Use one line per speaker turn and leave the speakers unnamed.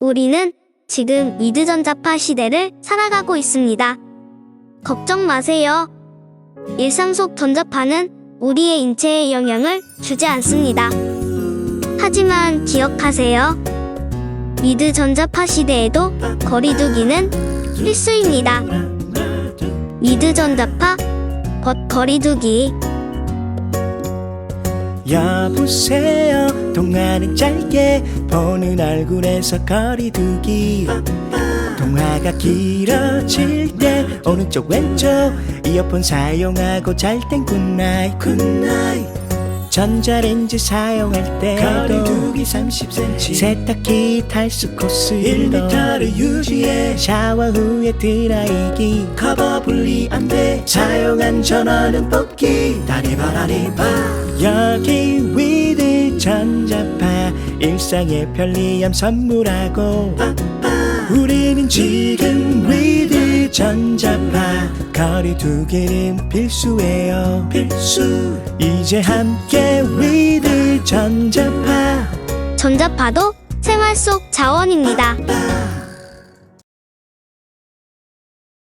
우리는 지금 위드전자파 시대를 살아가고 있습니다. 걱정 마세요. 일상 속 전자파는 우리의 인체에 영향을 주지 않습니다. 하지만 기억하세요. 위드전자파 시대에도 거리두기는 필수입니다. 위드전자파, 거리두기.
여보세요. 통화는 짧게 보는 얼굴에서 거리두기. 통화가 길어질 때 오른쪽 왼쪽 이어폰 사용하고 잘 땐 굿나잇. 전자레인지 사용할 때도 거리두기 30cm. 세탁기 탈수 코스 1m를 유지해. 샤워 후에 드라이기 커버 분리 안돼. 사용한 전원은 뽑기. 다리바 여기 위드 전자파 일상의 편리함 선물하고 우리는 지금 위드 전자파 거리두기는 필수예요. 필수. 이제 함께 위드 전자파.
전자파도 생활 속 자원입니다.